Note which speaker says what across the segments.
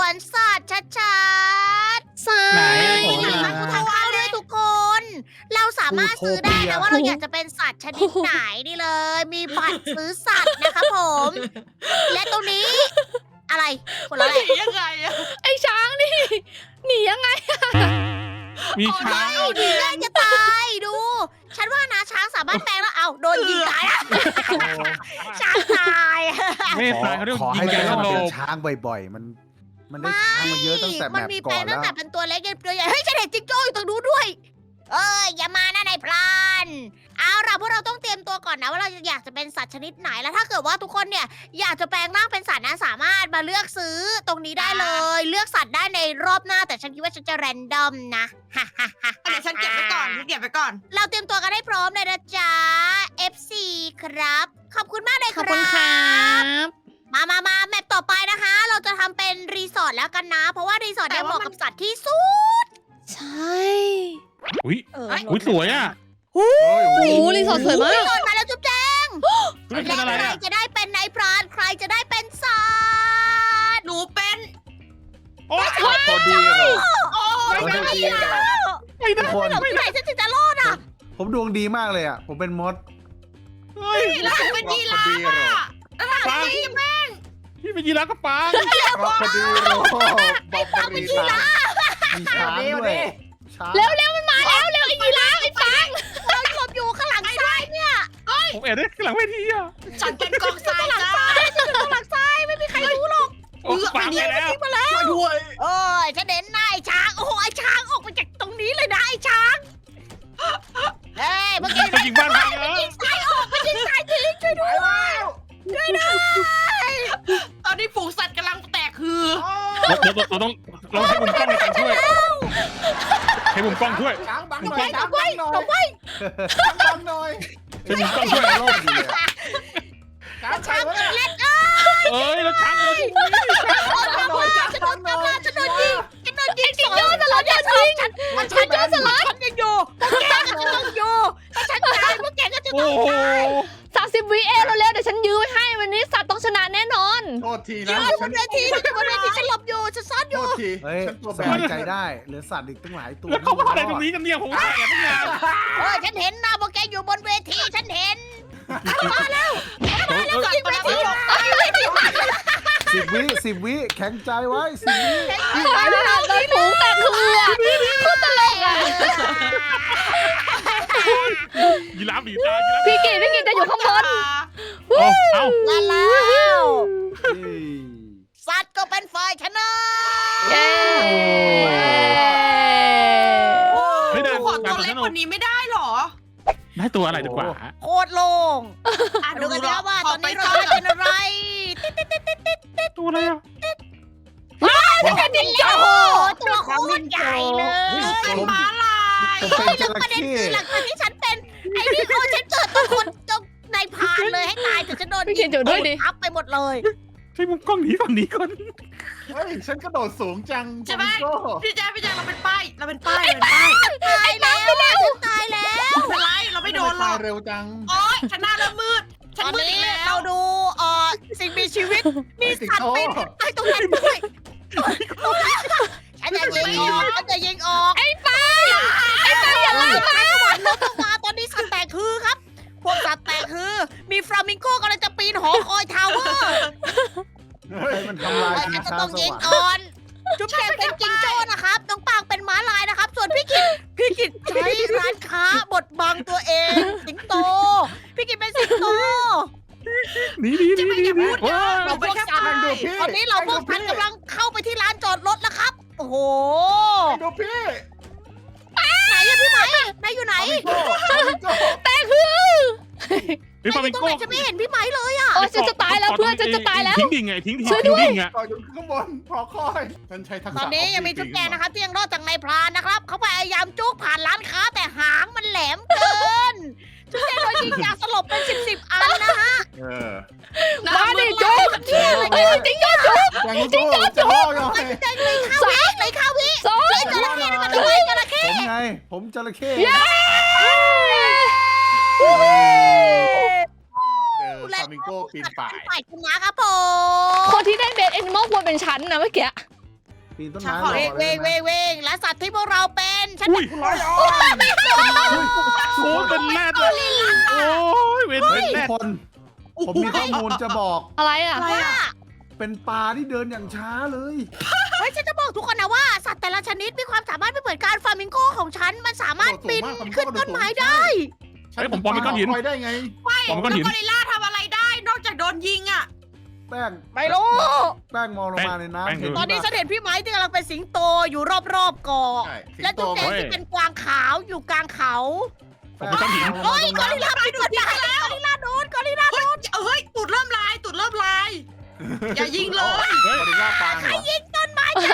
Speaker 1: วนสัตว์ชัดๆ
Speaker 2: ไหน
Speaker 1: มีหนังทางเข้าด้วยทุกคน เราสามารถซื้อได้นะว่าเราอยากจะเป็นสัตว์ชนิดไหนนี่เลย มีบัตรซื้อสัตว์นะครับผม และตรงนี้ อะไรคนละ
Speaker 3: ห
Speaker 1: อะไร
Speaker 3: นียังไงอะ
Speaker 4: ไอ้ช้างนี่หนียังไง
Speaker 2: มีช้าง
Speaker 1: ดีง่ายจะตายดู ฉันว่านะช้างสามารถแปลงแล้วเอาโดนยิงตายอะช้างตาย
Speaker 2: ไม่ตายเขาเรียก
Speaker 5: ขอ
Speaker 2: ยิ
Speaker 5: ให้
Speaker 2: งแก
Speaker 5: ได้
Speaker 2: ส
Speaker 5: มา
Speaker 2: โล
Speaker 5: เป็น
Speaker 2: บ
Speaker 5: ช้างบ่อยๆ มันได้ช้างมาเยอะตั้งแต่แม
Speaker 1: มัน
Speaker 5: ป
Speaker 1: มี
Speaker 5: ก่
Speaker 1: แปล
Speaker 5: อง น
Speaker 1: ตั้
Speaker 5: แล้
Speaker 1: ง
Speaker 5: ว
Speaker 1: แต่เป็นตัวเล็กยันตัวใหญ่เฮ้ยฉันเห็นจิ๊กโจ้อยู่ตรงนู้นด้วย เอ้ยอย่ามานะนายพรานเอาล่ะพวกเราต้องเตรียมตัวก่อนนะว่าเราอยากจะเป็นสัตว์ชนิดไหนแล้วถ้าเกิดว่าทุกคนเนี่ยอยากจะแปลงร่างเป็นสัตว์นะสามารถมาเลือกซื้อตรงนี้ได้เลย เลือกสัตว์ได้ในรอบหน้าแต่ฉันคิดว่าฉันจะแรนดอมนะ
Speaker 3: เดี๋ยวฉันเก็บไว้ก่อนฉันเก็บไว้ก่อน
Speaker 1: เราเตรียมตัวกันให้พร้อมเลยนะจ๊ะ FC ครับ ขอบคุณมากเลย
Speaker 4: ข
Speaker 1: ค
Speaker 4: อบ
Speaker 1: รั
Speaker 4: คุณครับ บ
Speaker 1: มาแมปต่อไปนะคะ เราจะทำเป็นรีสอร์ทแล้วกันนะ เพราะว่ารีสอร์ทเนี่ยเหมาะกับสัตว์ที่สุด
Speaker 4: ใช่
Speaker 2: อุ้ยอุ้ยสวยอ่ะ
Speaker 4: โอ้โหรีสอร์ทสวยมาก
Speaker 1: รีสอร์ทมาแล้วจุ๊บแจง
Speaker 2: นี่เป็น
Speaker 1: และ
Speaker 2: อะไร
Speaker 1: ใคร
Speaker 2: อ่ะ
Speaker 1: จะได้เป็นนายพรานใครจะได้เป็นสัตว์
Speaker 3: หนูเป็น
Speaker 2: โอ้ย
Speaker 5: พอดีเลย
Speaker 3: โอ้
Speaker 5: พอดีเลย
Speaker 2: ไม่ได้
Speaker 5: ทุกคน
Speaker 1: หลงที่ไหนฉันถึงจะรอดอ่ะ
Speaker 5: ผมดวงดีมากเลยอ่ะ ผมเป็นมด
Speaker 2: เฮ้ย
Speaker 3: แล้วฉันเป็นยีราฟอ่ะแล้ว
Speaker 2: ปางพี่เป็นยีราฟกับปาง
Speaker 5: พอดีเลยบอกเป็นยีราฟมีช้างด้วยช้าง
Speaker 4: เร็วมันมาแล้วเร็วไอ้ยีราฟไอ้ปัง
Speaker 1: เราหลบอยู่ข้างหลังซ้ายเนี่ย
Speaker 2: ผมแอบได้ข้างหลังเวทีอ่ะ
Speaker 3: ฉันเป็นกองทรายจ้า
Speaker 1: ข้างหลังซ้ายไม่มีใครรู้หรอก
Speaker 2: โอ้ปางไปแล้ว
Speaker 1: มาแล้ว
Speaker 5: ช่วยด้วย
Speaker 1: เอ้ยฉันเห็นนายช้างโอ้โหไอ้ช้างออกมาจากตรงนี้เลยนะไอ้ช้างเฮ้ยเมื่อกี้
Speaker 2: ไปยิงบ้านพังแล้ว
Speaker 1: ยิงซ้ายออกไปยิงซ้ายทิ้งช่วยด้วยช่วยด้วย
Speaker 3: ตอนนี้ฝูงสัตว์กำลังแตกคือ
Speaker 2: เราต้องให้มุมกล้องในการช่วยให้มุมกล้องช่วย
Speaker 5: ช้างบังหน่อยช้างบังหน่อย
Speaker 1: หลบไว้
Speaker 5: ช้างบังหน่อย
Speaker 2: ให้มุมกล้องช่วย
Speaker 5: โลกดีเลยช้าง
Speaker 1: ช้าง
Speaker 5: บัง
Speaker 1: กับเล็ด
Speaker 2: เอ้ยแล้วช้างเรา
Speaker 5: หน่อยช้าง
Speaker 1: ฉันโด
Speaker 5: บั
Speaker 1: น
Speaker 5: งหน่อย
Speaker 1: ฉันโดนยิงฉันโดนยิง
Speaker 4: จริงโยนสลัดอย่าทิ้ง
Speaker 1: ฉันโดนสลัดฉันยังอยู่พวกแกก็จะต้องอยู่ถ้าฉันตายพวกแกก็จะ
Speaker 2: โอ้
Speaker 1: ต้อง
Speaker 2: โห
Speaker 4: 30 วิเร็วๆเดี๋ยวฉันยื้อไว้ให้วันนี้สัตว์ต้องชนะแน่นอน
Speaker 5: โทษที
Speaker 1: อ
Speaker 5: นะ
Speaker 1: ยู่บนเวทีฉันอยู่บนเวทีฉันหลบอยู่ฉันซ่อนอ
Speaker 5: โท
Speaker 1: ยู่
Speaker 5: ษทีเฮ้ยสบายใจได้เหลือสัตว์อีกตั้งหลายตัว
Speaker 2: แล้วเขามาอะไรตรงนี้กันเนี่ยผมแอบตั้งนาน
Speaker 1: ฉันเห็นนะพวกแกอยู่บนเวทีฉันเห็น
Speaker 3: สัตว์ประหลาด
Speaker 5: 10 วิแข็งใจไว้10 วิ
Speaker 4: โดนฝูงแตกคืออะโคตรตลกอะ
Speaker 2: ยีราฟหนีตายยีราฟ
Speaker 4: พี่กิตจะอยู่ข้างบน
Speaker 2: เอ้า
Speaker 1: ลาแล้ว
Speaker 5: เฮ้ย
Speaker 1: สัตว์ก็เป็นฝ่ายชนะ
Speaker 4: เย้
Speaker 2: ไม่ได้
Speaker 3: ขอตัวเล็กกว่านี้ไม่ได้หรอ
Speaker 2: ได้ตัวอะไรดีกว่า
Speaker 1: โคตรโล่ง
Speaker 3: อ่ะ
Speaker 1: ดูกันนะว่าตอนนี้เรา
Speaker 3: ข
Speaker 1: จะเป็นอะไร
Speaker 2: ตัวอะไรอ่ะ
Speaker 1: เป็นดินโอ้โหตัวโคตรใหญ่เลย
Speaker 3: เป็นม้าลาย
Speaker 5: ผมเป็นจ
Speaker 1: แล้ว
Speaker 5: ระ
Speaker 1: ประเด็น
Speaker 5: เข้
Speaker 1: คือหลังจากที่ฉันเป็นไอ้นี่โอ้ฉันเกิดตัวคนจงนายพรานเลยให้ตายแต่ฉันโดน
Speaker 4: พี่กิตอยู่ด้วยดิ
Speaker 1: ทับไปหมดเลย
Speaker 2: ใช้มุมกล้องหนีก่อนหนีก่อน
Speaker 5: เฮ้ยฉันกระโดดสูงจัง
Speaker 3: ใช่ไหม
Speaker 5: โอ้
Speaker 3: พี่แจ๊เราเป็นป้ายเราเป็นป้ายเราเป็นป้าย
Speaker 1: ตายแล้วฉันตายแล้ว
Speaker 3: ไม่เป็นไรเราไม่โดนหรอก
Speaker 5: เร็วจัง
Speaker 3: โอ๊ยฉันหน้าเริ่มมืดฉั
Speaker 1: ต
Speaker 3: น
Speaker 1: อน
Speaker 3: มืดอี
Speaker 1: นี้
Speaker 3: กแล้
Speaker 1: เรา
Speaker 3: ว
Speaker 1: ดูสิ่งมีชีวิตมีสัตว์เป็นไอ้ตรงนั้นด้วยฉันจะยิงออกฉันจะยิงออกไอ้ป้าอย่าล่ามาสวรรค์ลดลงมาตอนนี้สัตว์แตกคือครับ พวกสัตว์แตกคือมีฟลามิงโก้กำลังจะปีนหอคอยทาวเวอร์
Speaker 5: เฮ้ยมันทำลาย
Speaker 1: ฉั
Speaker 5: ชิ
Speaker 1: น
Speaker 5: ง
Speaker 1: จะ
Speaker 5: ช้า
Speaker 1: ต้อง
Speaker 5: ส
Speaker 1: ยิง
Speaker 5: วรรค์
Speaker 1: ก่อน จุ๊บแจงเป็นจิงโจ้นะครับ น้องปางเป็นม้าลายนะครับ ส่วนพี่กิจใช้ร้านค้าบดบังตัวเอง สิงโต พี่กิจเป็นสิงโต
Speaker 2: หนีว้า
Speaker 3: เราเป็นแค่ป้าย
Speaker 1: ตอนนี้เราพวกพันกำลังเข้าไปที่ร้านจอดรถแล้วครับ โอ้โห
Speaker 5: ดูพี่
Speaker 1: ไหนอะพี่ไหมนายอยู่ไหน
Speaker 5: ฟามิงโก้
Speaker 4: แต่คือ
Speaker 2: ไอ้ฟามิง
Speaker 1: ตรง
Speaker 2: โก้
Speaker 1: ไหนฉันไม่เห็นพี่ไหมเลยอะ
Speaker 4: โอ้ยฉันจะตายแล้วเพื่อนฉันจะตายแล้ว
Speaker 2: ทิ้งดิ่งไงทิ้ง
Speaker 4: ช่วยด้วย
Speaker 2: ดิ่งอ่ะ
Speaker 5: ต่ออยู่ข้างบนพอคอยฉันใช้ทักษะ
Speaker 1: ตอนนี้ยังมีจุ๊บแจงนะครับที่ยังรอดจากนายพรานนะครับ เขาพยายามจุกผ่านร้านค้าแต่หางมันแหลมเกิน จุ๊บแจงโดนยิงยาสลบเป็นสิบอันนะฮะ
Speaker 5: เออ
Speaker 4: มาดิจุ๊บเฮ้ยจริงยอดจุ๊บ
Speaker 5: จริงจะล่อหน่อย
Speaker 1: แจงเลยข้าวิ
Speaker 4: สอง
Speaker 1: เลยจระเข้มันทำไมจระเข้
Speaker 5: ผมไง ผมจระเข้
Speaker 4: เย้
Speaker 5: ฟามิงโก้ปีนป่าย
Speaker 1: ฝ่ายชนะครับผม
Speaker 4: คนที่ได้เบสแอนิมอลควรเป็นฉันนะเมื่อกี้
Speaker 5: ปีนต้น
Speaker 3: ฉัน
Speaker 5: ไม้
Speaker 3: ขอ
Speaker 5: รอ
Speaker 1: เวง
Speaker 5: เล
Speaker 1: เวย ง
Speaker 5: นะ
Speaker 1: เวงเวงและสัตว์ที่พวกเราเป็นฉัน
Speaker 2: อุ้ยโอ้เป็นแรดเลยโอ้ยเวน
Speaker 5: เฮ้
Speaker 2: เป็
Speaker 5: ย
Speaker 2: นแร
Speaker 5: ทุก
Speaker 2: ด
Speaker 5: คนผมมีข้อมูลจะบอก
Speaker 4: อะไรอ่ะ
Speaker 3: อะไร
Speaker 1: ว่า
Speaker 3: อ่ะ
Speaker 5: เป็นปลาที่เดินอย่างช้าเลย
Speaker 1: เฮ้ยฉันจะบอกทุกคนนะว่าสัตว์แต่ละชนิดมีความสามารถไม่เหมือนกันฟลามิงโกของฉันมันสามารถบินขึ้นต้นไม้ได้
Speaker 2: เฮ้ยผมปลอมเป็นก้อนหิน
Speaker 5: คอยได้ไง
Speaker 2: ปลอมเป็นก้อน
Speaker 3: แล้ว
Speaker 2: หิน
Speaker 3: กอริลล่าทำอะไรได้ นอกจากโดนยิงอ่ะ
Speaker 5: แป้ง
Speaker 1: ไม่รู้
Speaker 5: แป้งมองลงมาใน
Speaker 2: แป้ง
Speaker 5: น้ำเห็น
Speaker 1: ตอนนี้ฉันเห็นพี่ไม้ที่กำลังเป็นสิงโตอยู่รอบๆเกาะ
Speaker 5: ใช่สิง
Speaker 1: และ
Speaker 5: โต
Speaker 1: จุ๊บแจง
Speaker 2: เฮ้ย
Speaker 1: ที่เป็นกวางขาวอยู่กลางเขา
Speaker 2: ผมเป็นก้อนหิน
Speaker 1: เฮ้ยกอริลลาไปโดนได้กอริลลาโดนกอริลลา
Speaker 3: เฮ้ยเฮ้ยตูดเริ่มลายตูดเริ่มลาย อย่ายิงเลย
Speaker 2: เฮ้ย
Speaker 5: กอริลลาปางเหรอ
Speaker 1: ยิงต้นไม้กัน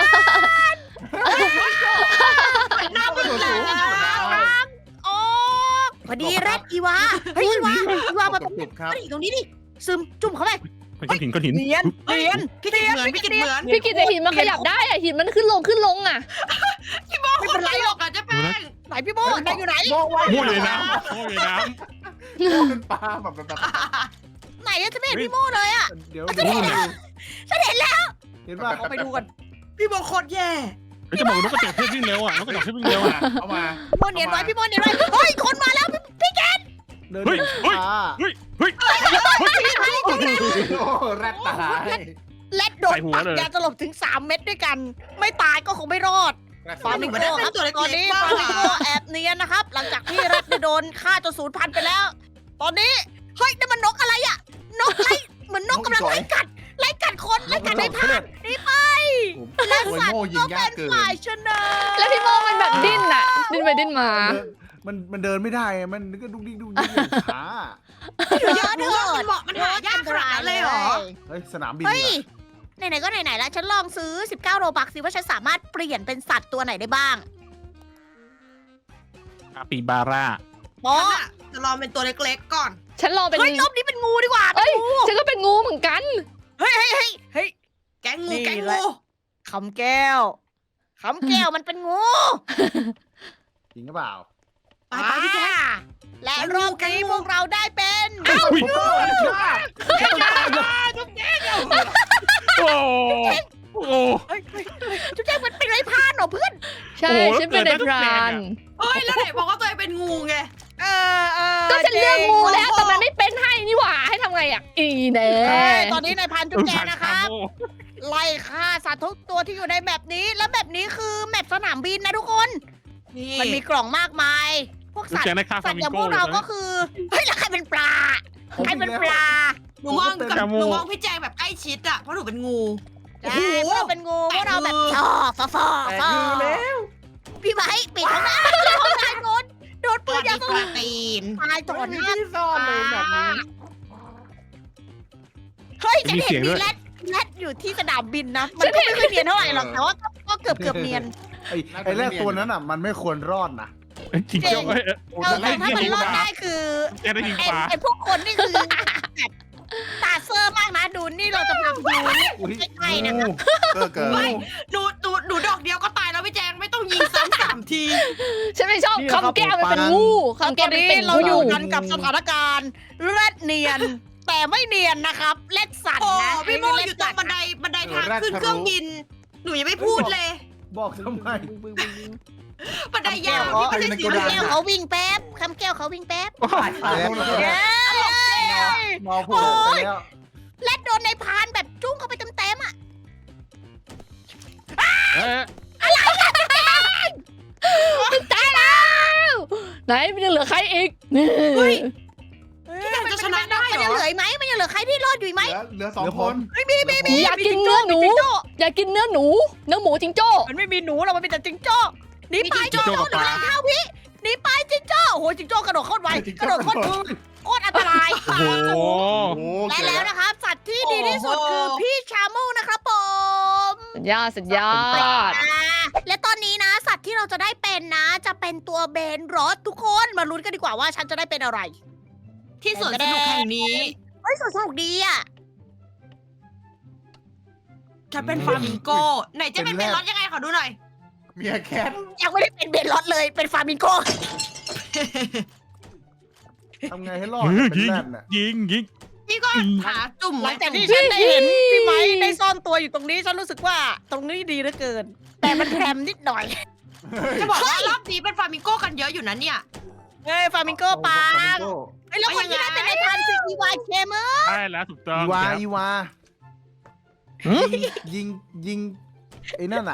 Speaker 3: หน้ามันแหลม
Speaker 1: โอ้พอดีแรดอีวาเฮ้ยอีวามาตรง
Speaker 5: ก
Speaker 1: นี้
Speaker 5: บครับ
Speaker 1: ตรงนี้ดิซึมจุ่มเข้าไป
Speaker 2: เป็นก้อนหินก้อนหิน
Speaker 1: เนียนเนียน
Speaker 3: พี่กิดเหมือนพี่กิดเหมือน
Speaker 4: พี่กิตแต่หินมันขยับได้อ่ะหินมันขึ้นลงอ่ะ
Speaker 3: พี่โมคนตลกอ่ะเจ๊แป้ง
Speaker 1: ไหนพี่โบไหนอยู่ไหน
Speaker 5: โม่ไว้
Speaker 2: โม่อยู่ในน้ำโม่อยู่ในน้
Speaker 5: โม่เป็นปลาแบบ
Speaker 1: ไหนจะไม่เห็นพี่โมเลยอะ
Speaker 5: เดี๋ยว
Speaker 1: ฉันเห็นแล้วฉันเห็นแล้ว
Speaker 5: เห็นป่ะ
Speaker 1: เอาไปดูกัน
Speaker 3: พี่โมโคตรแย่
Speaker 2: ำเฮ้ยจะบอกนกกระจอกเทศวิ่งเร็วอ่ะนกกระจอกเทศวิ่งเร็วอ่ะ
Speaker 5: เอามา
Speaker 1: พี่โมเนียนไว้พี่โมเนียนไว้เฮ้ยคนมาแล้วพี่แก
Speaker 5: เดิน
Speaker 2: เฮ้ย
Speaker 5: อย่าง
Speaker 2: เฮ้ย
Speaker 5: ช้า
Speaker 2: เฮ้ยเฮ้ย
Speaker 5: โอ้แรดตาย
Speaker 1: เล็ดโดนปักยาสลบถึง3 เม็ดด้วยกัน ไม่ตายก็คงไม่รอด ฟาร์มิงโกครับตอนนี้ฟาร์มิงโกแอบเนียนนะครับ หลังจากที่แรดได้โดนฆ่าจนสูญพันธุ์ไปแล้ว ตอนนี้เฮ้ยนั่นมันนกอะไรอะนกไล่เหมือนนกกำลังไล่กัดคนไล่กัดในพานนี่ไป และสัตว์ก็เป็นฝ่ายชนะ
Speaker 4: แล้วพี่โมมันแบบดิ้นอ่ะ ดิ้นไปดิ้นมา
Speaker 5: มันเดินไม่ได้อะมันก็ดุกดิกอย่างช้า
Speaker 1: เยอะเถอะ
Speaker 3: มันเหมาะมันหายากขนาดนั้นเลยเหรอ
Speaker 5: เฮ้ยสนามบิน
Speaker 1: เฮ้ย
Speaker 5: อะ
Speaker 1: ไหนๆก็ไหนๆแล้วฉันลองซื้อ19โรบักสิว่าฉันสามารถเปลี่ยนเป็นสัตว์ตัวไหนได้บ้าง
Speaker 2: อาปีบาร่า
Speaker 1: โอ้
Speaker 3: จะลองเป็นตัวเล็กๆก่อน
Speaker 4: ฉันรอเป็น
Speaker 1: เฮ้ยรอบนี้เป็นงูดีกว่า
Speaker 4: เอ้ย
Speaker 1: เป็นงู
Speaker 4: ฉันก็เป็นงูเหมือนกัน
Speaker 1: เฮ้ย
Speaker 3: แก๊งงู
Speaker 1: นี่
Speaker 3: แก๊ง
Speaker 1: แหละ
Speaker 3: งู
Speaker 1: คำแก้วมันเป็นงู
Speaker 5: จริงหรือเปล่า
Speaker 3: ไปไปพี่แจ๊ค
Speaker 1: และรอบนี้พวกเราได้เป็น
Speaker 2: อุ้ย โอ้โห
Speaker 1: จุ๊บแจ๊กมันเป็นไรพรานเหรอเพื่อน
Speaker 4: ใช่
Speaker 2: โอ้โห
Speaker 4: ฉันเป็น
Speaker 2: เกิ
Speaker 4: ใน
Speaker 2: ดได้ทุก
Speaker 4: พราน
Speaker 3: เฮ้ยแล้วไหนบอกว่าตัวเองเป็นงูไง
Speaker 4: ก็ฉันเลือกงูแล้วแต่มันไม่เป็นให้นี่หว่าให้ทำไงอ่ะ อีแน่
Speaker 1: ตอนนี้ในายพรานจุ๊บแจ๊กนะครับ ไล่ฆ่าสัตว์ทุกตัวที่อยู่ในแมปนี้ และแมปนี้คือแมปสนามบินนะทุกคน
Speaker 3: นี่
Speaker 1: มันมีกล่องมากมาย พวก
Speaker 2: จุ๊บ
Speaker 1: สัต
Speaker 2: แจ
Speaker 1: ว์
Speaker 2: งได้ค่า
Speaker 1: สั
Speaker 2: ฟา
Speaker 1: ตว์
Speaker 2: มิ
Speaker 1: อย่าง
Speaker 2: โก้
Speaker 1: พวกเรา
Speaker 2: เลย
Speaker 1: ก็
Speaker 2: นะ
Speaker 1: คือ เฮ้ยแล้วใครเป็นปลา ใครเป็นปลา
Speaker 3: หนูมองกับ
Speaker 2: จมูก
Speaker 3: หนูมองพี่แจงแบบใกล้ชิดอะเพราะหนูเป็นงู
Speaker 1: ใช่พวกเราเป็นงูพวกเราแบบฟอฟอ
Speaker 5: แต่
Speaker 1: ฟอ
Speaker 5: คือแล้ว
Speaker 1: พี่ไม้ปิดของน้าของนายโดนปืนยาสลบ
Speaker 3: ตีน
Speaker 1: ตายต่อหน้า
Speaker 5: ที่ซ่อนเลยแบบนี้
Speaker 1: เฮ้ยฉันเห็นมีแรดอยู่ที่สนามบินนะ มันก็ไม่ค่อยเนียนเท่าไหร่หรอก แต่ว่าก็เกือบเนียน
Speaker 5: ไอ้แรกตัวนั้นอ่ะมันไม่ควรรอดนะ
Speaker 2: จริงๆเฮ้ย
Speaker 1: แต่ถ้ามันรอดได้คือ
Speaker 2: แกได้ยิงปลา
Speaker 1: ไอ้พวกคนนี่คือแบบตาเซอร์มากนะดูนี่เราจะพาไปดูใกล้ๆนะครับ
Speaker 5: เกิด
Speaker 3: หนูดอกเดียวก็ตายแล้วพี่แจงไม่ต้องยิงซ้ำ3 ที
Speaker 4: ฉันไม่ชอบคำแก้วมันเป็นงูคำแก้วมันเป็น
Speaker 1: เรา
Speaker 4: งู
Speaker 1: อยู่กันกับสถานการณ์แรดเนียน แต่ไม่เนียนนะครับเล็ดสัต
Speaker 3: โอ้
Speaker 1: ว์นะ
Speaker 3: พี่โมอยู่ตรงบันไดทางขึ้นเครื่องบิน หนูยังไม่พูดเลย
Speaker 5: บอกทำไม
Speaker 3: บันไดยาวที่ไม่ใช่สี
Speaker 1: คำ
Speaker 3: เหลื
Speaker 1: แก้ว
Speaker 3: อง
Speaker 1: เขาวิ่งแป๊บคำแก้วเขาวิ่งแป๊บ
Speaker 5: ตายแล้ว
Speaker 1: เย้
Speaker 5: มอพูดไปแล้ว
Speaker 1: แรดโดนในพานแบบจุ้งเข้าไปเต็มๆอ่ะ
Speaker 2: เอ๊ะ
Speaker 4: ตายแล้วไหนมันยังเหลือใครอีกนี่
Speaker 3: พี่แจงจะชนะได้
Speaker 1: มัน
Speaker 3: เหร
Speaker 1: ยัง
Speaker 3: อ
Speaker 1: เหลืออีกไหมมันยังเหลือใครที่รอดอยู่อีกไหม
Speaker 5: เหลือ2 คน
Speaker 4: อยากกินเนื้อหนู อยากกินเนื้อหนู เนื้อหมูจิงโจ้
Speaker 1: มันไม่มีหนูหรอกมันมีแต่จิงโจ้หนีไป
Speaker 2: จิงโจ้กับปลา
Speaker 1: เข้าพี่หนีไปจิงโจ้โอ้โหจิงโจ้กระโดดโคตรไวกระโดดโคตรทึ่งโคตรอันตราย
Speaker 2: โอ้โห
Speaker 1: และแล้วนะครับสัตว์ที่ดีที่สุดคือพี่ชามูนะครับผม
Speaker 4: สุดยอด
Speaker 1: และตอนนี้นะ สัตว์ที่เราจะได้เป็นนะ จะเป็นตัวเบนรอสทุกคนมาลุ้นกันดีกว่าว่าฉันจะได้เป็นอะไร
Speaker 3: ที่สวนสนุกแห่งนี้
Speaker 1: เฮ้ยสนุกดีอ่ะ
Speaker 3: ฉันเป็นฟามิงโกไหนจะเป็นเบลลอดยังไงขอดูหน่อย
Speaker 5: เมียแคท
Speaker 1: ยังไม่ได้เป็นเบนรอสเลยเป็นฟามิงโก
Speaker 5: ทำไงให้รอด
Speaker 2: ยิ
Speaker 5: เป็น
Speaker 2: ง
Speaker 5: แรดน่ะ
Speaker 2: ยิง
Speaker 3: พี่ก็หาจุ่ม
Speaker 1: หลั
Speaker 3: ไว้
Speaker 1: งจากที่ฉันได้เห็นพี่ไม้ได้ซ่อนตัวอยู่ตรงนี้ฉันรู้สึกว่าตรงนี้ดีเหลือเกิน แต่มันแพรมนิดหน่อย
Speaker 3: จะบอกว่ารอบนี้เป็นฟลามิงโก้กันเยอะอยู่นะเนี่ย
Speaker 1: เฮ้ยฟามิงโก้ปังเฮ้ยแล้วคนที่ได้เป็นนายพรานคืออีวาเคเมอร์
Speaker 2: ใช่แล้วถูกต้อง
Speaker 5: อีวา
Speaker 2: ครับ
Speaker 5: อีวา
Speaker 2: หืม
Speaker 5: ยิงไอ้นั่นอ่ะ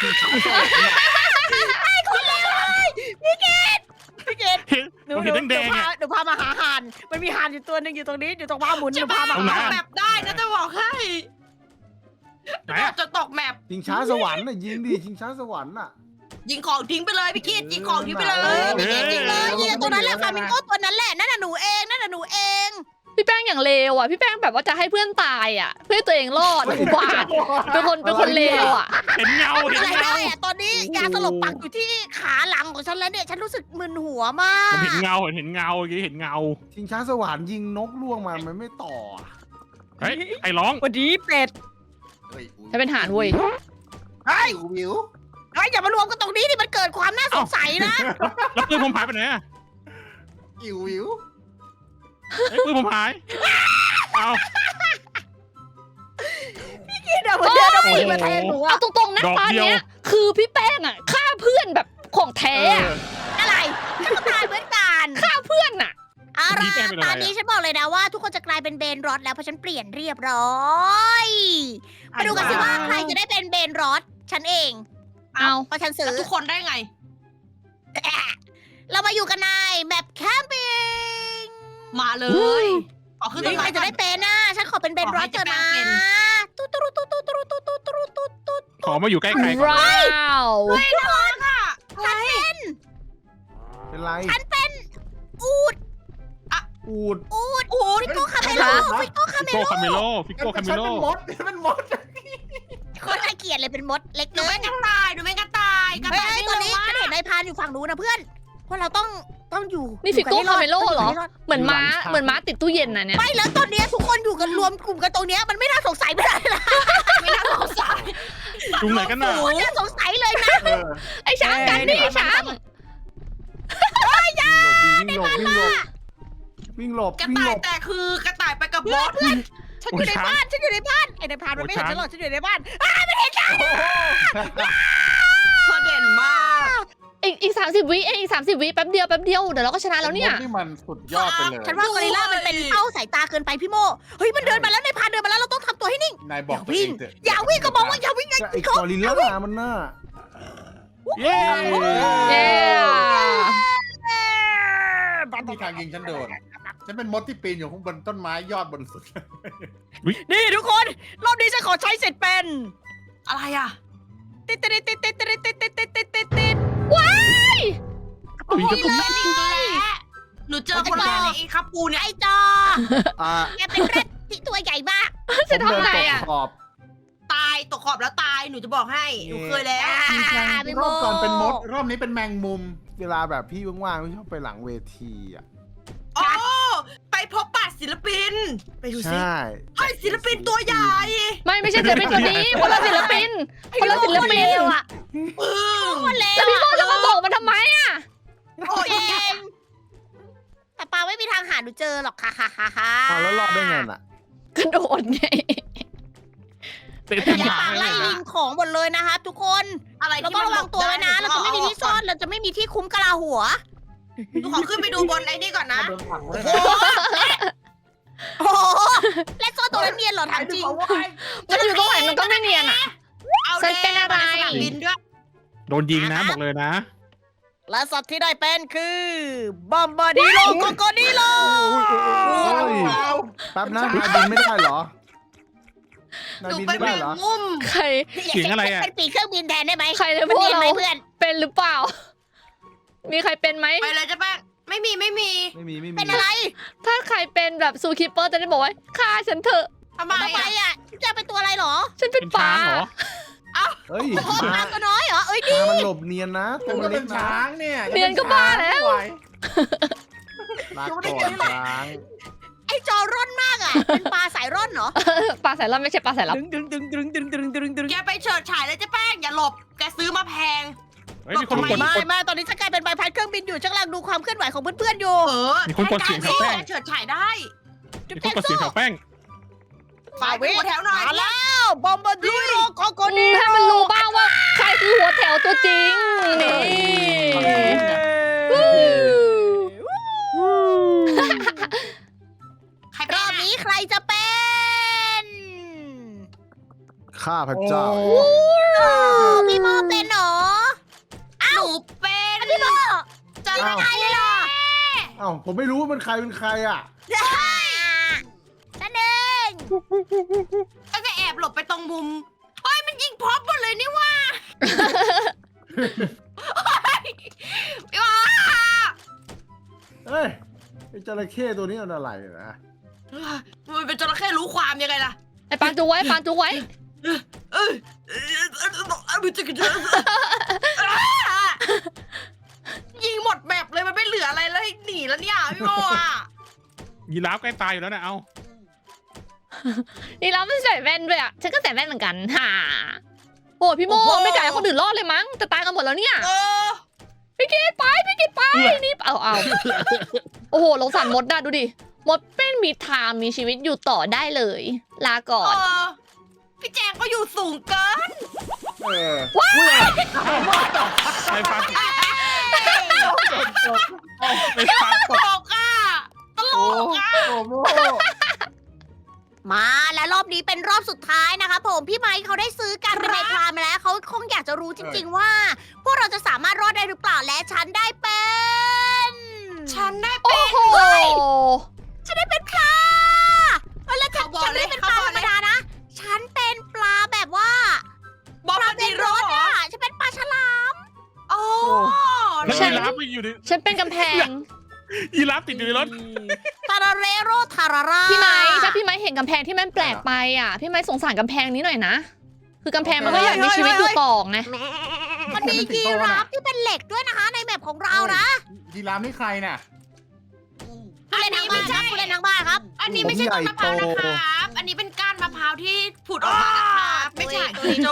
Speaker 1: พี่เกด
Speaker 2: ผมเห็นแดงๆอ่ะ
Speaker 1: เดี๋ยวพามาหาห่านมันมีห่านอยู่ตัวหนึงอยู่ตรงนี้อยู่ตรงบ้าหมุน
Speaker 3: จะ
Speaker 1: เดี๋ยว
Speaker 3: พา
Speaker 1: พามา
Speaker 2: ตรงไหน
Speaker 3: ตกแมปได้นะจะบอกให้
Speaker 2: ไหนอะ
Speaker 3: จะตกแมป
Speaker 5: ชิงช้าสวรรค์น่ะยิงดิชิงช้าสวรรค์น่ะ
Speaker 3: ยิงของทิ้งไปเลยพี่คิดยิงของทิ้งไปเล
Speaker 1: เออย พี่เกดจริงเลยยิงตัวนั้นแหละฟามิงโก้ตัวนั้นแหละนั่นน่ะหนูเองนั่นน่ะหนูเอง
Speaker 4: พี่แป้งอย่างเลวอ่ะพี่แป้งแบบว่าจะให้เพื่อนตายอ่ะเพื่อให้ตัวเองรอดอุบาทเป็นคนเลวอ่ะ
Speaker 2: เห็นเงาเห็น
Speaker 1: อะไร
Speaker 2: เงา
Speaker 1: ได้อะตอนนี้ยาสลบปักอยู่ที่ขาหลังของฉันแล้วเนี่ยฉันรู้สึกมึนหัวมาก
Speaker 2: ผมเห็นเงาเห็นเงาเมื่อกี้เห็นเงา
Speaker 5: ชิงช้าสวรรค์ยิงนกล่วงมามันไม่ต่อ
Speaker 2: เฮ้ยไอ้ร้อง
Speaker 1: วันนี้เป็ด
Speaker 4: ฉันเป็นหานเว้ย
Speaker 1: เฮ้ย
Speaker 5: วิว
Speaker 1: เฮ้ยอย่ามารวมกันตรงนี้ดิมันเกิดความน่าสงสัยนะ
Speaker 2: แล้วปืนผมหายไปไหนอะ
Speaker 5: วิว
Speaker 2: ไอ้ยปืนผมหายเอา
Speaker 1: เดี๋ยวมันเดินเอาปืนมาแทงหนู
Speaker 4: เอา
Speaker 1: อะ
Speaker 4: ตรงๆนะตอนเนี้ยคือพี่แป้งอ่ะฆ่าเพื่อนแบบของแท้อะ
Speaker 1: อะไรฉันก็ตายเหมือนกัน
Speaker 4: ฆ่าเพื่อนอ่ะ
Speaker 1: เอาล่ะตอนนี้ฉันบอกเลยนะว่าทุกคนจะกลายเป็นเบนรอดแล้วเพราะฉันเปลี่ยนเรียบร้อยมาดูกันสิว่าใครจะได้เป็นเบนรอดฉันเอง
Speaker 4: เอา
Speaker 1: เพราะฉันซื้อ
Speaker 3: ทุกคนได้ไง
Speaker 1: เรามาอยู่กันในแมปแคมปิ้ง
Speaker 3: มาเลยขอขึ้นต้น
Speaker 1: ใค
Speaker 3: ไม้
Speaker 1: รจะได้เป็นนะฉันขอเป็นเบนรอดเถอะนะตุ๊ดตุ๊ดตุ๊ดตุ๊ดตุ๊ดตุ๊ดตุ๊ดตุ๊ดตุ๊ดตุ๊ด
Speaker 2: ขอมาอยู่ใกล้ๆก่อน
Speaker 4: ว้าว
Speaker 1: ฉันเป็น
Speaker 5: เป็นไร
Speaker 1: ฉันเป็นอูด
Speaker 5: อูด
Speaker 1: อูดฟิโก้คาเมโลฟิโก้คาเม
Speaker 2: ฟิโก้
Speaker 1: โล
Speaker 2: คาเมโลฟิโก้คาเมโล
Speaker 5: เป็นมด
Speaker 1: คนน่าเกลียดเลยเป็นมดเล็ก
Speaker 3: หนู
Speaker 1: เกิ
Speaker 3: ไม่
Speaker 1: น
Speaker 3: กระต่ายหนูไม่กระต่ายกระ
Speaker 1: เฮ้
Speaker 3: ต่าย
Speaker 1: ยตอนนี้ฉันเห็นนายพรานอยู่ฝั่งนู้นนะเพื่อนพวกเราต้องอยู่
Speaker 4: นี่ฟิโก้
Speaker 1: อยู่กั
Speaker 4: คาเมโล
Speaker 1: ให้
Speaker 4: เหรอ
Speaker 1: ยู่กั
Speaker 4: เหมือนม้าติดตู้เย็นนะเนี่ย
Speaker 1: ไม่แล้วตอนเนี้ยทุกคนอยู่กันรวมกลุ่มกันตรงเนี้ยมันไม่น่าสงสัยไม่ได้ละ
Speaker 3: ไม่น่าสงสัย
Speaker 2: จุงไหนกันน่ะ
Speaker 1: โอ้ยน่าสงสัยเลยนะ
Speaker 4: ไอ้ช้างกันนี่ช้าง
Speaker 5: วิ่งหลบ
Speaker 3: กระต่ายแต่คือกระต่ายไปกับบอส
Speaker 1: ฉันอยู่ในบ้านฉันอยู่ในบ้านไอ้นายพรานมันไม่เห็นฉันหรอกฉันอยู่ในบ้าน
Speaker 3: เธอเด่นมาก
Speaker 4: อีก30 วิเองอีก30 วิแป๊บเดียวเดี๋ยวเราก็ชนะแล้วเนี่ย
Speaker 5: นี่มันสุดยอดไปเลย
Speaker 1: ฉันว่ากอริลล่ามันเป็นเป้าสายตาเกินไปพี่โมเฮ้ยมันเดินมาแล้วนายพรานเดินมาแล้วเราต้องทำตัวให้นิ่ง
Speaker 5: นายบอกตัวเองเถอะ
Speaker 1: อย่าวิ่งก็บอกว่าอย่าวิ่งไง
Speaker 5: ไอ้กอริลล่ามันน่ะ
Speaker 2: เย้
Speaker 4: เย้
Speaker 6: มีทางยิงฉันโดน ฉันเป็นมดที่ปีนอยู่ข้างบนต้นไม้ยอดบนสุด
Speaker 1: นี่ทุกคนรอบนี้ฉันขอใช้เสร็จเป็น
Speaker 3: อะไรอ่ะ
Speaker 1: ติดติดติดติดติดติดติดติดติดติดติด
Speaker 2: อุ๊ยจะ
Speaker 3: นี่เลยหนูเจอคนแรกในไอ้คับปูเนี่ย
Speaker 1: ไอ้จอ
Speaker 5: อ่า
Speaker 1: แกเป็นเร็ดที่ตัวใหญ่มาก
Speaker 4: จะทำไงอ่ะ
Speaker 5: ขอบ
Speaker 3: ตายตกขอบแล้วตายหนูจะบอกให้หนูเคยแล้ว
Speaker 1: พี่
Speaker 6: ร
Speaker 1: โม
Speaker 6: อบก่อนเป็นมด รอบนี้เป็นแมงมุม
Speaker 5: เวลาแบบพี่ว่างๆพี่ชอบไปหลังเวทีอ่ะ
Speaker 3: โอ้ไปพบปะศิลปิน ไปดูสิ
Speaker 5: ใช่
Speaker 3: เฮ้ยศิลปินตัวใหญ่
Speaker 4: ไม่ใช่ศิลปินคนนี้คนละศิลปินคนละศิลปิน
Speaker 1: อ่ะ
Speaker 3: ปึ้ง
Speaker 1: คนเล
Speaker 4: แล้ว
Speaker 1: ว
Speaker 4: พี่โมจะมาบอกมันทำไมอ่ะ
Speaker 3: โอ้ย
Speaker 1: เองแต่ปาไม่มีทางหาหนูเจอหรอกค่ะค่ะค่ะค่ะ
Speaker 5: อ้าวแล้วรอดได้ไงน่ะ
Speaker 4: กระโดดไง
Speaker 2: เตะ
Speaker 1: อ
Speaker 2: เต็ม
Speaker 1: ย่า
Speaker 2: หาง
Speaker 1: ไล่
Speaker 2: เลย
Speaker 1: ยิงของหมดเลยนะครับทุกคน
Speaker 3: อะไร
Speaker 1: เรา
Speaker 3: ที่
Speaker 1: ต้อง
Speaker 3: มัน
Speaker 1: ระวังตัวไว้นะ เราจะไม่มีที่ซ่อน เราจะไม่มีที่คุ้มกะลาหัว
Speaker 3: หนูขอขึ้นไปดูบนไอ้นี่ก่อนนะ
Speaker 6: โดนผักเลย
Speaker 1: โอ้โห และซ่อนตัวนั้นเนียนเหรอถามจริง
Speaker 4: มันอยู่ตรงไหนมันก็ไม่เนียนอ่ะ
Speaker 3: เอา
Speaker 4: ฉันเป็นอะไร
Speaker 3: สนามบินด้วย
Speaker 2: โดนยิงนะบอกเลยนะ
Speaker 1: และสัตว์ที่ได้เป็นคือบอมบาดิโลโกโกดิโล
Speaker 5: แป๊บนะนายบินไม่ได้เหรอ
Speaker 3: ห
Speaker 5: นาย
Speaker 3: นู
Speaker 5: บิน
Speaker 3: เป็น
Speaker 5: ไม่
Speaker 3: แม
Speaker 5: ได้
Speaker 3: ง
Speaker 5: เหรอ
Speaker 3: มุม
Speaker 4: ใคร
Speaker 2: เสียงอะไรอะ
Speaker 1: เป็นปีกเครื่องบินแทนได้ไหม
Speaker 4: ใครในพ
Speaker 1: มัน
Speaker 4: วก
Speaker 1: เนียน
Speaker 4: เรา
Speaker 1: ไหมเพื่อน
Speaker 4: เป็นหรือเปล่า มีใครเป็นไหม
Speaker 3: ไปเลยจ้ะแป้งไม่มี
Speaker 5: ไม่มี
Speaker 1: เป็นอะไร
Speaker 4: ถ้าใครเป็นแบบซูคิปเปอร์จะได้บอกว่าฆ่าฉันเถอะ
Speaker 3: ทำไม
Speaker 1: ทำไม
Speaker 3: อ่ะ
Speaker 1: อ่ะจะเป็นตัวอะไรเหรอ
Speaker 4: ฉันเป็
Speaker 2: เป็น น
Speaker 4: ปลา
Speaker 2: ช้างเหรอ
Speaker 5: เฮ้ย
Speaker 1: โอ้โห
Speaker 5: มา
Speaker 1: ปลาตัวน้อยเหรอ เอ้ยดิ
Speaker 5: มันหลบเนียนนะ
Speaker 6: ผ
Speaker 5: ตัว
Speaker 6: ม
Speaker 5: มั
Speaker 6: ก็
Speaker 5: นเล็
Speaker 6: เป็
Speaker 5: ก
Speaker 6: น
Speaker 5: นะ
Speaker 6: ช้างเนี่ย
Speaker 4: เนียนก็บ้าแล้ว
Speaker 5: ลาก่อนช้าง
Speaker 1: ไอ้จอร่อนมากอ่ะ เป็นปลาสายร่อนเหรอ
Speaker 4: ปลาสายลับไม่ใช่ปลาสายลับ
Speaker 1: ดึง
Speaker 3: แกไปเฉิดฉายเลยจ้ะแป้งอย่าหลบ แกซื้อมาแพง
Speaker 2: เฮ้ยมีคนกด
Speaker 1: ไม่ตอนนี้ฉันกลายเป็นใบพัดเครื่องบินอยู่ฉันกำลังดูความเคลื่อนไหวของเพื่อนๆอยู่
Speaker 3: เออ
Speaker 2: มีคนกดเสียงแถวแป้ง
Speaker 3: แกเฉิดฉายได้
Speaker 1: จุ๊บ
Speaker 2: มี
Speaker 1: แจ
Speaker 2: ทุก
Speaker 1: ง
Speaker 2: กระสี
Speaker 1: สู้
Speaker 2: แถวแป้ง
Speaker 3: ฝ่ายเป็นหัวแถวหน่อย
Speaker 1: มาแล้วบอมบ์ดิโรโกโกนิ
Speaker 4: ให้มันรู้บ้างว่าใครคือหัวแถวตัวจริง นี่วู้
Speaker 3: ใคร
Speaker 1: ร
Speaker 3: เป็น
Speaker 1: อบนี้ใครจะเป็น
Speaker 5: ข้าพเจ้า
Speaker 1: พี่โมเป็นเหรอ
Speaker 3: หนูเป็น
Speaker 1: พี่โม
Speaker 3: จะ
Speaker 1: ไม่ได้เลยเหรอ
Speaker 5: เอ้าผมไม่รู้ว่ามันใครเป็นใครอ่ะ
Speaker 1: นั่นเอง
Speaker 3: ก็จะแอบหลบไปตรงมุมเฮ้ยมันยิงพร็อพหมดเลยนี่ว่าพี่ว่า
Speaker 5: เฮ้ยไอ้จระเข้ตัวนี้มันอะไรนะ
Speaker 3: มันเป็นจระเข้รู้ความยังไงล่ะ
Speaker 4: ไอ้ปางจูไว้ปางจูไว้
Speaker 3: ยิงหมดแมปเลยมันไม่เหลืออะไรแล้วให้หนีแล้วเนี่ยพี่โมอ่ะ
Speaker 2: ยีราฟใกล้ตายอยู่แล้วนะเอา
Speaker 4: นี่เราไม่ใส่แว่นด้วยอ่ะ ฉันก็ใส่แว่นเหมือนกันฮ่าโอ้พี่โมไม่ไก่คนอื่นรอดเลยมั้งจะตายกันหมดแล้วเนี่ย
Speaker 3: เออ
Speaker 4: พี่กิตไปนี่เอาโอ้โหสงสารมดนะดูดิมดเป็นมีทางมีชีวิตอยู่ต่อได้เลย ลาก่อน
Speaker 3: พี่แจงก็อยู่สูงเกิน
Speaker 6: เออ
Speaker 2: ไฟฟ้าไฟฟ้า
Speaker 3: ตลกอ่ะตล
Speaker 5: โอ้
Speaker 3: กอ่ะ
Speaker 5: โอ้โม
Speaker 1: มาและรอบนี้เป็นรอบสุดท้ายนะคะผมพี่ไมค์เขาได้ซื้อการเป็นในพรามมาแล้วเขาคงอยากจะรู้จริง ๆ ว่า พวกเราจะสามารถรอดได้หรือเปล่าและฉันได้เป็น
Speaker 3: ฉันได้
Speaker 4: โอ้
Speaker 3: เป็น
Speaker 4: โห
Speaker 1: ฉันได้เป็นปลาแล้วฉันไม่ได้เป็นปลาธรรมดานะ ฉันเป็นปลาแบบว่า
Speaker 3: บอม
Speaker 1: ปลา
Speaker 3: บ์
Speaker 1: เป็
Speaker 3: ดี
Speaker 1: น
Speaker 3: โร
Speaker 1: รถ
Speaker 3: เหรอ
Speaker 1: อ่ะฉันเป็นปลาฉลาม
Speaker 3: โอ้
Speaker 2: แล้วยีราฟไปอยู่ใน
Speaker 4: ฉันเป็นกำแพง
Speaker 2: ยีราฟติดอยู่ในรถ
Speaker 1: ทาราเรโรทารารา
Speaker 4: พี่ไม้ถ้าพี่ไม้เห็นกำแพงที่มันแปลกไปอ่ะ พี่ไม้สงสารกำแพงนี้หน่อยนะ คือกำแพงมันก็อยากมีชีวิตอยู่ต่อไง
Speaker 1: มันมียีราฟที่เป็นเหล็กด้วยนะคะ ในแมปของเรานะ
Speaker 6: ยีราฟนี่ใครน่ะ
Speaker 1: ผู้เล่นทางบ้านครับผู้เล่นทางบ้านครับ
Speaker 3: อันนี้ไม่ใช่ต้นมะพร้าวนะครับ อันนี้เป็นก้านมะพร้าวที่ผุดออกมานะครับไม่ใช่ตัวโจ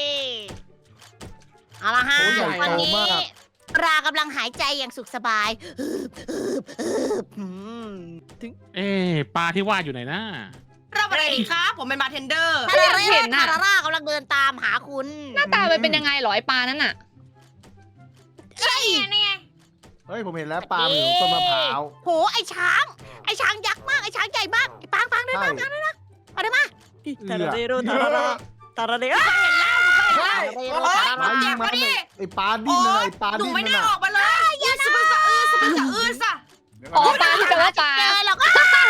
Speaker 1: เอาละฮะ
Speaker 5: โอ้ใหญ่
Speaker 1: วัน
Speaker 5: โต
Speaker 1: นี้
Speaker 5: มาก
Speaker 1: ปลากำลังหายใจอย่างสุขสบายอืม
Speaker 2: ปลาที่ว่าอยู่ไหนนะ
Speaker 3: รับอะไรดีครับ ผมเป็นบาร์เทนเดอร์
Speaker 1: ทาราเรโรทาราร่ากำลังเดินตามหาคุณ
Speaker 4: หน้าตามันเป็นยังไงเหรอไอปลานั่นน่ะ
Speaker 1: ใช่
Speaker 3: นี่ไง
Speaker 5: เฮ้ยผมเห็นแล้วปลาอยู่ต้นมะพร้าว
Speaker 1: โหไอช้าง ไอช้างยักษ์มาก ไอช้างใหญ่มากไอ้ปางเดิน
Speaker 5: ใช่
Speaker 1: มาเอาได้มา
Speaker 5: ทาราเรโร
Speaker 1: ทาราร่าทาราเรโร
Speaker 3: เฮ้ย
Speaker 5: ปลายิงมันน่ะไอ้ปลาดิ้นน่ะไอ้ปลา
Speaker 3: หนู
Speaker 5: ดิ้น
Speaker 3: ไม่
Speaker 5: นั่น
Speaker 3: น่า
Speaker 5: น่ะ
Speaker 3: ออกมาเลยอย่าสะอื้นสะอื้นสะอื้นสะอื้นสะ
Speaker 4: อ๋อปลาที่แปลว่าปลา
Speaker 1: เจอหรอก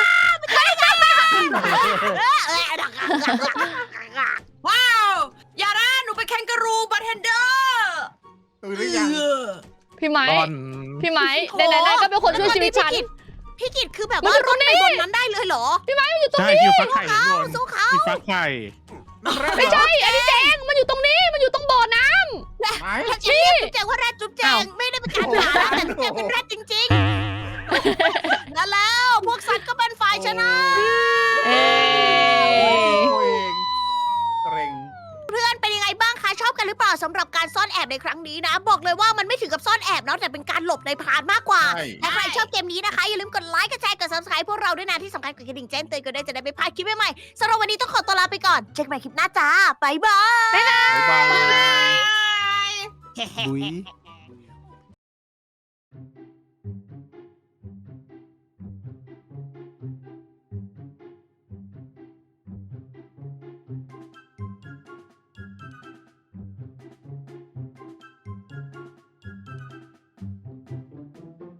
Speaker 3: ว้าวอย่านะหนูเป็นแคนการูบาร์เทนเดอร์
Speaker 6: ตื่นหรือยัง
Speaker 4: พี่ไม้
Speaker 2: บอล
Speaker 4: พี่ไม้ไหนๆก็เป็นคนช่วยชีวิตฉัน
Speaker 1: พี่กิตคือแบบว่ารถไปบนนั้นได้เลยเหรอ
Speaker 2: ใช่คิวฟักไข่อยู่บน
Speaker 1: สู้เขา
Speaker 2: มีฟักไข่
Speaker 4: ไม่ใช่ อันนี้แจงมันอยู่ตรงนี้ มันอยู่ตรงบ่อน้
Speaker 6: ไหน
Speaker 1: ถ้าฉันเรียกจุ๊บแจงว่าแรดจุ๊บแจงไม่ได้เป็นการด่านะแต่จุ๊บแจงเป็นแรดจริงๆนั่นแล้วพวกสัตว์ก็เป็นฝ่ายชนะ
Speaker 4: ำเอ้
Speaker 6: ตัวเองเกรง
Speaker 1: เพื่อนเป็นยังไงบ้างคะชอบกันหรือเปล่าสำหรับการซ่อนแอบในครั้งนี้นะ บอกเลยว่ามันไม่ถึงกับซ่อนแอบเนาะแต่เป็นการหลบในพรานมากกว่า
Speaker 6: ใช่
Speaker 1: ถ้าใครชอบเกมนี้นะคะ อย่าลืมกดไลค์กดแชร์กด subscribe พวกเราด้วยนะที่สำคัญกดกระดิ่งแจ้งเตือนกันด้วยจะได้ไม่พลาดคลิปใหม่ๆสำหรับวันนี้ต้องขอตัวลาไปก่อนเจอกันใหม่คลิปหน้าจ้าบ๊ายบาย
Speaker 6: บ๊ายบาย
Speaker 3: บาย
Speaker 5: บุย